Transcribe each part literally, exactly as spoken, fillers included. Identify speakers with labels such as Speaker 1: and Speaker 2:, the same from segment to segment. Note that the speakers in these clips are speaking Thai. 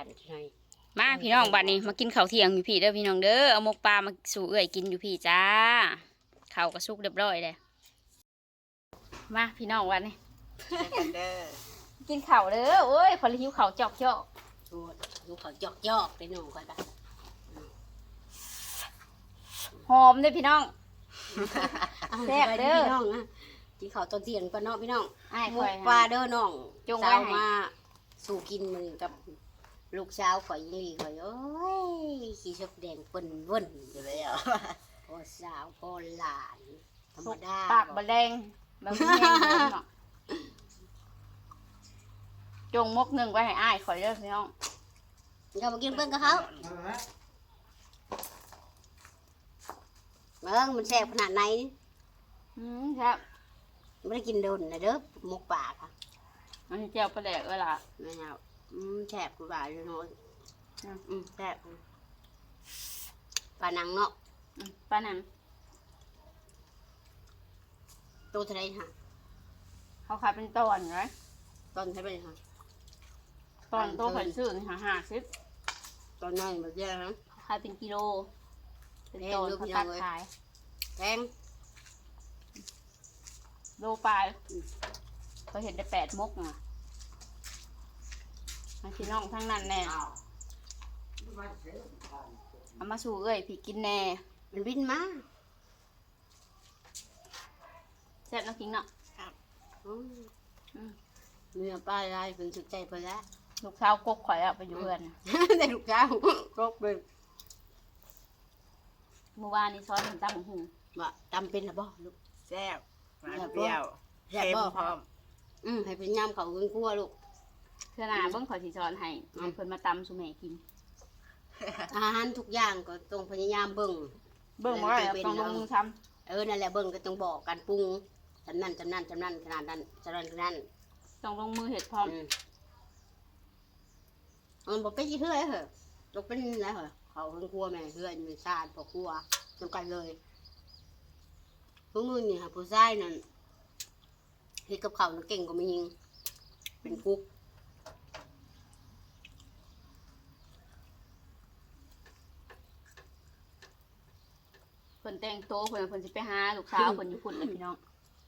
Speaker 1: กันใช่
Speaker 2: มาพี่น้องบัดนี้มากินข้าวเที่ยงอยู่พี่เด้อพี่น้องเด้อเอาหมกปลามาสู่เอื้อยกินอยู่พี่จ้าข้าวก็สุกเรียบร้อยเลยมาพี่น้องวันนี้
Speaker 1: กันเด้อ
Speaker 2: กินข้าวเด้อโอ้ยพอหิวข้าวจอกจอก
Speaker 1: ดูดูเขาจอกจอกไปหนุ่มก่อนปะ
Speaker 2: หอมเด้อพี่น้องแซ่บเด้อ
Speaker 1: พี่น้องนะกินข้าวตอนเที่ยงก่อนเนาะพี่น้อง
Speaker 2: ไอ้
Speaker 1: หม
Speaker 2: ข่อย
Speaker 1: กปลาเด้อน้อง
Speaker 2: จงไว้
Speaker 1: สาว
Speaker 2: ให้
Speaker 1: มาสู่กินมือกับลูกสาวข่อยยิงลีข่อยโอ้ยขี้ชกแดงเปิ้นเว่นอยู่แล้วพ่อสาวพ่อหลานธรรมดา
Speaker 2: ปากบะแดงบะแดงเนาะจงมกหนึ่งไว้ให้อ้ายข่อยเด้อพี่น้อง
Speaker 1: เรามากินเปิ้นกับเขาเบิ้งมันแซ่บขนาดไหน
Speaker 2: อืมครับ
Speaker 1: ไม่ได้กินโดนนะเด้อหมกป่าค่ะ
Speaker 2: อันนี้เจียวปลาแดกเออล่ะ
Speaker 1: แม่เอาอืมแซ่บกูบ่าอยู่เนาะ
Speaker 2: อืม
Speaker 1: อืมแซ่บปลานังเนาะ
Speaker 2: อืมป้านัน
Speaker 1: ตัวเท่าไรฮะ
Speaker 2: เขาขายเป็นตอนไง
Speaker 1: ตอนเท่าไรฮะ
Speaker 2: ตอนโตข่อยซื้อนี่ค่ะห้าสิบ
Speaker 1: ตอนน้อยมันเยอะฮะ
Speaker 2: ขายเป็นกิโลเป็น
Speaker 1: แพง
Speaker 2: ตอน
Speaker 1: ดู
Speaker 2: เขา
Speaker 1: พี่น้
Speaker 2: ตั
Speaker 1: อง
Speaker 2: ด
Speaker 1: เอ้ย
Speaker 2: ขาย
Speaker 1: แพง
Speaker 2: โลปลายเขาเห็นได้แปดมกอ่ะมาพี่น้องทั้งนั้นแน่เอามาสู่เอ้ยพี่กินแน่
Speaker 1: มันบินมา
Speaker 2: แซ่บน้ำกินเนาะ
Speaker 1: อืม
Speaker 2: อืม
Speaker 1: เมื่อป้าลายเป็นสุดใจเพิ่นแล้ว
Speaker 2: ลูกสาวกกข่อยอะไปอยู่เพื่อนน่ะ
Speaker 1: แต่ลูกสาวครบเลย
Speaker 2: เมื่อวานนี้ซ้อนผมตั้งหู
Speaker 1: ว่าจำเป็นหรือบ่ลูก
Speaker 3: แซ่บหวานเปรี้ยว
Speaker 1: แซ่บ
Speaker 3: เค็ม
Speaker 1: บ่
Speaker 3: พร้อม
Speaker 1: อืมให้เป็นยำเขาเงินกลัวลูก
Speaker 2: เพื่อนอาเบิ้งข่อยสีซ้อนให้ให้เพิ่นมาตำสุแม่กิน
Speaker 1: อาหารทุกอย่างก็ต้องพยายามเบิ่ง
Speaker 2: เบิ้งว่าต้องลงมือท
Speaker 1: เออนั่นแหละเบิ่งก็ต้องบอกกันปรุงจำนั่นจำนั่นจำนั่นขนาดนั้นจำนั่นขนาดนั้น
Speaker 2: ำต้องลงมือเห็ดพร้อม
Speaker 1: อืมมันบอกเป็นยี่เฮือยเหรอตกเป็นอะไรเหรอเขาเพิ่งครัวแม่เฮือยมีชาติพอครัวจำกันเลยพวกมึงนี่ค่ะผู้ชายนั่นเฮ็ดกับเขาวน่ะเก่งกว่ามียิงเป็นกุ๊ก
Speaker 2: เพิ่นแต่งโตวเพิ่นเพิ่นสิไปหาลูกสาวเพิ่นอยู่พุ่นเลยพี่น้อง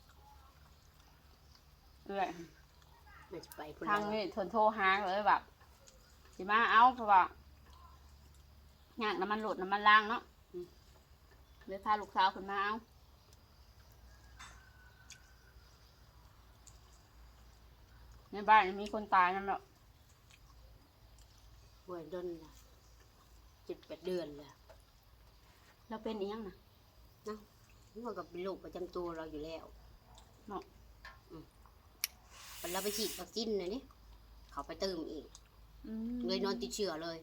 Speaker 2: เอ้ย
Speaker 1: มันจะไปพุ่น
Speaker 2: ทาง
Speaker 1: แล้ว
Speaker 2: นี้เพิ่นโทรหาเลยแบบสิมาเอาเพราะว่าอยากน้ำมันโหลดน้ำมันล้างเนาะอืมเลยพาลูกสาวเพิ่นมาเอาในบ้านมีคนตายนั่นแหละ
Speaker 1: ป่วยดนละเจ็ดแปดเดือนแล้ว
Speaker 2: เราเป็นอีหยังนะ
Speaker 1: มันก็เป็นโรคประจำตัวเราอยู่แล้ว
Speaker 2: เนาะ
Speaker 1: เราไปฉีดวัคซีนนะนี่เขาไปเติมอีก
Speaker 2: อืม
Speaker 1: เลยนอนติดเชื้อเลย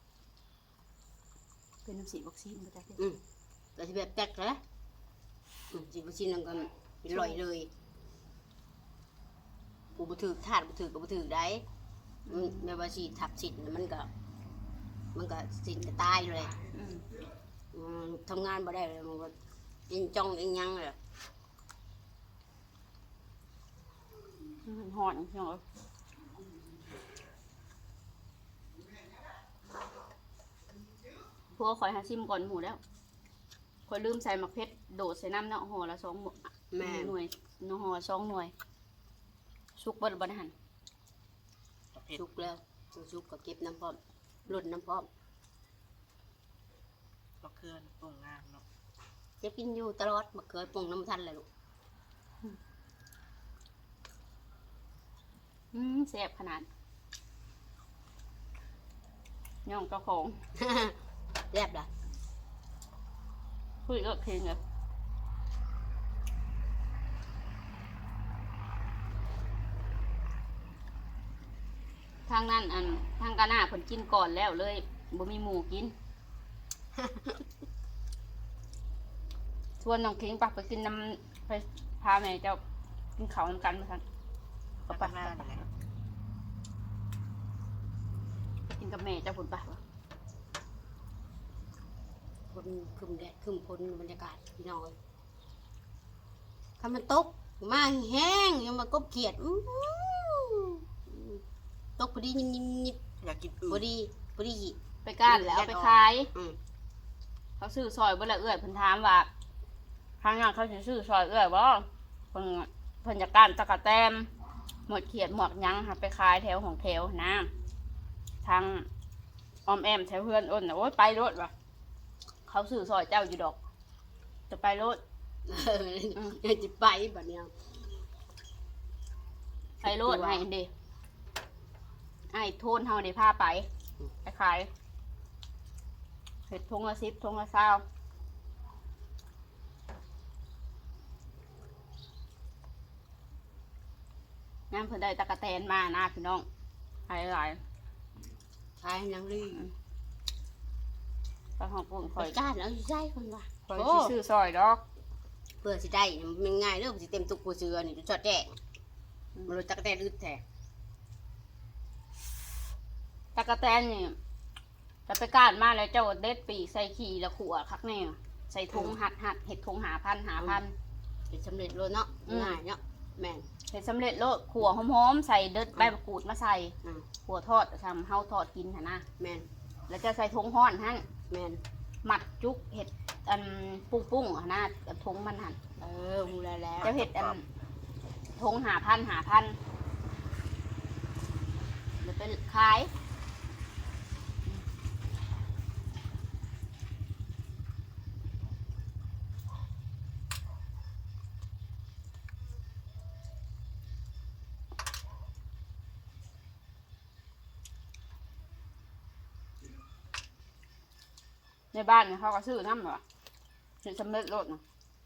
Speaker 2: เป็นน้ำสีวัคซีนมาจาก
Speaker 1: อืมแต่ที่แบบแตกแล้วอืมฉีดวัคซีนนั่นก็เป็นรอยเลยกูบุถือถาดบุถือกับบุถือได้อืมแม่ว่าฉีดทับสินมันก็ มันก็สินก็ตายเลย
Speaker 2: อืม
Speaker 1: อืมทำงานบ่ได้เลยมันก็ยิงจ้องยิงยังเลย
Speaker 2: มันหอนพี่น้องเอ้ยพวกคอยหาซิมก่อนหมูแล้วคอยลืมใส่หมักเพชรโดดใส่น้ำเนาะห่อละสองหมว
Speaker 1: แม่
Speaker 2: หน่วยเนาะห่อละสองหน่วยสุกเบดบริหัน
Speaker 3: ประเภท
Speaker 1: ชุกแล้วชุกก็เก็บน้ำพร้อมหล่นน้ำพร้อม
Speaker 3: มะเขือปรุงงามเนาะ
Speaker 1: เก็บกินอยู่ตลอดมะเขือปรุงน้ำทันเลยลูก
Speaker 2: อืมแซ่บขนาดย่องเจ้าของ
Speaker 1: แซ่บล่ะ
Speaker 2: คุยก็เพลงเลยทางนั้นอันทางกาหน้าผลกินก่อนแล้วเลยบ่มีหมูกิน ชวนน้องคิงปักไปกินน้ำไปพาแม่เจ้ากินข้าวน้ำกันมาทันก็
Speaker 3: ก็
Speaker 2: ไป
Speaker 3: ปักหน้านี่แหละ
Speaker 2: ไปกินกับแม่เจ้าผลปะ
Speaker 1: คนคึมแดดคึมพลบรรยากาศพี่น้อยถ้ามันตกมาแห้งยังมากบเขียดอื้อหือตกพอดียิบยิบยิบ
Speaker 3: อยากกินอื่
Speaker 1: พอน ดีพอดี
Speaker 2: ไปก้านแล้วเอาไปขาย
Speaker 1: อืม
Speaker 2: เขาซื้อซอยบ่ละเอื้อยเพิ่นถามว่าทางงานเขาสิซื้อซอยเอื้อยบ่เพิ่นเพิ่นจะก้านตะกะแตนหมดเขียดหมดหยังค่ะไปขายแถวของแถวนะทางออมแอมแถวเพื่อนอ้นน่ะโอ๊ยไปรถว่ะเขาซื้อซอยเจ้าอยู่ดอก จะไปรถ
Speaker 1: เออเดี๋ยวจะไปแบบเนี้ย
Speaker 2: ไปรถให้เด้ไอ้โทนเฮาได้พาไปไปขายเห็ดทงละสิบทงละเศร้าน้ำเพิ่นได้ตะกะแตนมานะพี่น้องหลายหลาย
Speaker 1: ขายนังรี
Speaker 2: ไปห้องปุ่นค
Speaker 1: ค
Speaker 2: อ
Speaker 1: อย ยก้านเอาอยู่ใจคนว่า
Speaker 2: คอย
Speaker 1: โอ้
Speaker 2: สิซื้อซอยดอก
Speaker 1: เพื่อสิได้มันง่ายเรื่องสิเต็มตุกปูเสือนี่จะจอดแจ้งมันรู้จักแต่อึดแท้
Speaker 2: ตะกะแตนนี่จะไปก้านมาแล้วเจ้าเด็ดปีกใส่ขี่แล้วขัวคักแน่ใส่ถุงหัดหัดเห็ดถุงหาพันหาพัน
Speaker 1: เป็นสำเร็จเลยเนาะ
Speaker 2: อืม
Speaker 1: ง่ายเนาะแม่น
Speaker 2: เห็ดสำเร็จโลดขัวหอมๆใส่เด็ดใบมะกรูดมาใส่
Speaker 1: อืม
Speaker 2: ขัวทอดทำเฮาทอดกินหั่นนะ
Speaker 1: แม่น
Speaker 2: แล้วจะใส่ถุงห้อนหั่น
Speaker 1: แม่น
Speaker 2: หมัดจุกเห็ดอันปุ้งปุ้งๆหั่นนะกับถุงมันหั่น
Speaker 1: เออหูแล้วแล้ว
Speaker 2: เจ้าเห็ดอันถุงหาพันหาพันเดี๋ยวไปขายในบ้านเนี่ยเขาก็ซื้อน้ำเหรอเห็ดสำเร็จรสนะ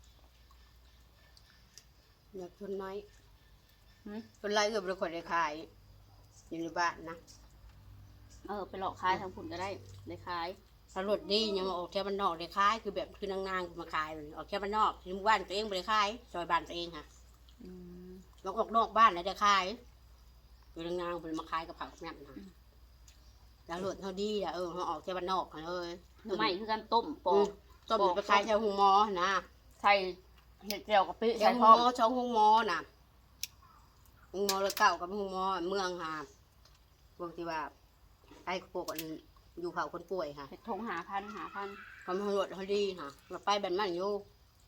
Speaker 1: อยากคนน้อย
Speaker 2: หืม
Speaker 1: คนไรก็บริคนได้ขายอยู่ในบ้านนะ
Speaker 2: เออไปหลอกขายทางผุนก็ได้ได้ขาย
Speaker 1: ถ้ารถดียังมาออกแค่บ้านนอกได้ขายคือแบบคือนางๆมาขายเลยออกแค่บ้านนอกที่หมู่บ้านตัวเองไม่ได้ขายซอยบ้านตัวเองค่ะ
Speaker 2: อืม
Speaker 1: แล้วออกนอกบ้านแล้วได้ขายคือนางๆเป็นมาขายกับผักแม่นนะแล้วรถเขาดีอะเออเขาออกแค่บ้านนอกเลย
Speaker 2: หน่อไม้คือการต้มปอ
Speaker 1: อื
Speaker 2: ก
Speaker 1: มต้มไปขายแถวหงมอนะ
Speaker 2: ใส่เห็ดเจียวกะปิ
Speaker 1: แถ
Speaker 2: ใส่
Speaker 1: วหง
Speaker 2: พร้อม
Speaker 1: มอช่องหงมอน่ะหงมอเลยเก่ากับหงมอเมืองค่ะพวกที่ว่าไอ้พวกอันอยู่เผาคนป่วยค่ะ
Speaker 2: เห็ดทงหาพันหาพัน
Speaker 1: ทำให้รถเขาดีค่ะเราไปแบบมันอยู่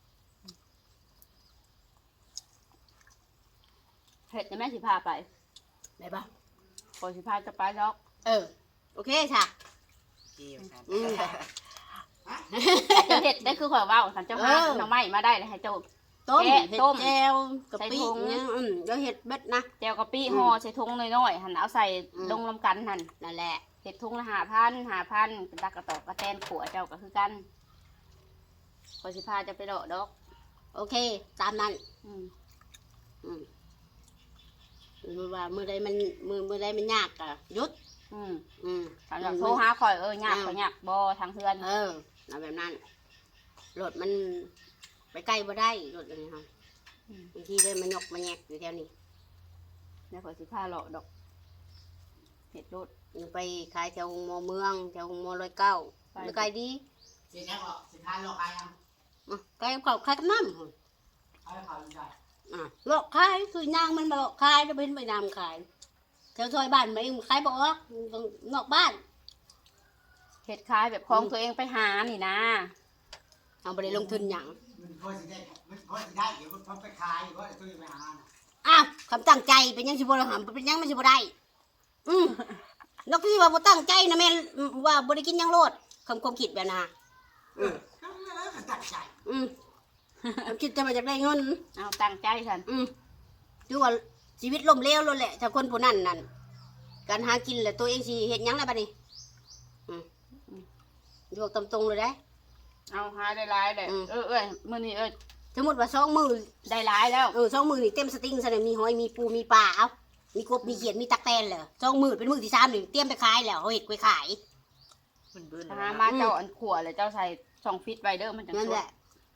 Speaker 2: เห็ดจะแม่สิพาไป
Speaker 1: ได้ปะ
Speaker 2: ก่อนสิพาจะไปดอก
Speaker 1: เออ โอเคค่ะ
Speaker 3: เกี่ยวกัน
Speaker 1: อืม
Speaker 2: เจ้าเห็ดได้คือข่อยเว่าสันเจ้าหา
Speaker 1: เออ
Speaker 2: หน่อไม้มาได้เลยให้เจ้า
Speaker 1: ต้ม
Speaker 2: แกะ
Speaker 1: เห็ด
Speaker 2: ต้ม
Speaker 1: แจวกะปิ
Speaker 2: ใส่ถุง
Speaker 1: เนี่ยอืมแล้วเห็ดเบ็ดนะ
Speaker 2: เจียวกะปิ
Speaker 1: อืม
Speaker 2: ห่อใส่ทงน้อยๆหันเอาใส่
Speaker 1: อืม
Speaker 2: ลงลำกันหัน
Speaker 1: นั่นแหละ
Speaker 2: เห็ดทงละหาพันหาพันเป็นตากระตอกกระแตนขัวเจ้าก็คือกันก่อนสิพาจะไปดอกดอก
Speaker 1: โอเค ตามนั้น
Speaker 2: อืม
Speaker 1: อืมมือว่ามือใดมันมือมือใดมันยากอะหยุด
Speaker 2: อืม
Speaker 1: อืม
Speaker 2: ถ้าอยากโทรหาข่อยเออยากข่อยยากบ่ทางเพื่อน
Speaker 1: เออเอาแบบนั้นรถมันไปใกล้บ่ได้รถอะไรค่ะ
Speaker 2: อืม
Speaker 1: บางทีเลยมันยกมันแยกอยู่แถวนี้
Speaker 2: เดี๋ยวข่อยสิพาเลาะดอกเห็ดรถ
Speaker 1: ยังไปขายแถวมอเมืองแถวมอร้อยเก้า
Speaker 2: ไป
Speaker 1: ไปไกลดี
Speaker 4: สิแค่บอกสิพาโลกอะไรอ่ะ
Speaker 1: อ่ะไกลกับเขาขายกับน้ำ
Speaker 4: เอาให้เขาดูได้
Speaker 1: อ่ะโลกขายคือยางมันมาโลกขายแล้วเป็นไปนำขายแถวซอยบ้านมันเองขายบอกว่าต้องนอกบ้าน
Speaker 2: เห็ดคล้ายแบบของตัวเองไปหานี่นะ
Speaker 1: เอาไปเลยลงทุนหยัง
Speaker 4: มันพอสิได้มันพอสิได้เดี๋ยวมันพอไปขายเพราะซื้อไปหาน่ะ
Speaker 1: อ้าวคำตั้งใจเป็นยังสิบ่ละหำเป็นยังมันสิบ่ได้อืมนกที่ว่าบ่ตั้งใจนะแม่นว่าบ่ได้กินหยังโลดคำความคิดแบบนั้น
Speaker 4: เออก็แล้วก็ตัดใจ
Speaker 1: อืมความคิดจะมาจากได้เงิน
Speaker 2: เอาตั้งใจฉัน
Speaker 1: อืมคือว่าชีวิตล่มเหลวแล้วแหละถ้าคนผู้นั้นนั่นการหากินแหละตัวเองสิเฮ็ดหยังล่ะบัดนี้อืมอยู่ตรงๆเลยได้
Speaker 2: เอาหาได้หลายเลย
Speaker 1: อืม
Speaker 2: เออเอ้ยมื้อนี้เอ้ย
Speaker 1: สมมติว่าสองมือ
Speaker 2: ได้หลายแล้ว
Speaker 1: เออสองมือนี่เต็มสติงซะเลยมีหอยมีปูมีปลาเอ้ามีกบมีเขียดมีตักแตนเหรอสองมือเป็นมือที่สามนี่เตรียมไปขายแล้วเขาเฮ็ดไปขาย
Speaker 3: มันเบิ้ล
Speaker 2: หามาเจ้าอันขัวเลยเจ้าใส่ช่องฟิตไว้เด้อมันจัง
Speaker 1: นั่น
Speaker 2: ส
Speaker 1: แห
Speaker 2: ด
Speaker 1: ละ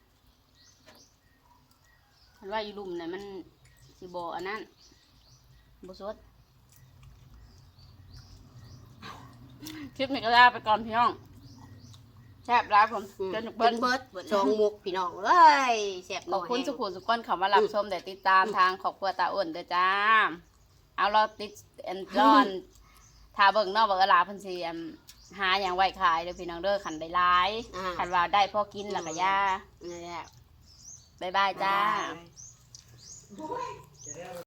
Speaker 2: คันว่าอยู่ลุ่มน่ะมันสิบ่อันนั้นบ่สดคลิปนี้ก็ลาไปก่อนพี่น้องแซ่บหลายผม
Speaker 1: อืม
Speaker 2: จน
Speaker 1: เบิ้
Speaker 2: เบิ้
Speaker 1: ล
Speaker 2: ล
Speaker 1: เบิดสองมุกพี่น้องเอ้ยแซ่บ
Speaker 2: ขอบคุณ
Speaker 1: แห้ง
Speaker 2: สุขุมสุขคนเขามารับชมแต่ติดตามทางขอบครัวตาอ้วนเด้อจ้า เอาเราติดแอนจอนถ้าเบิ่งเนอกบอกหลาเพิ่นสิอั่นหาหยังไว้ขายเด้อพี่น้องเด้อคันได้หลาย
Speaker 1: อ่า
Speaker 2: คันว่าได้พอกินแล้วก็ย่า
Speaker 1: นี่นแหละ
Speaker 2: บ๊ายบายจ้า
Speaker 3: บ๊ายบาย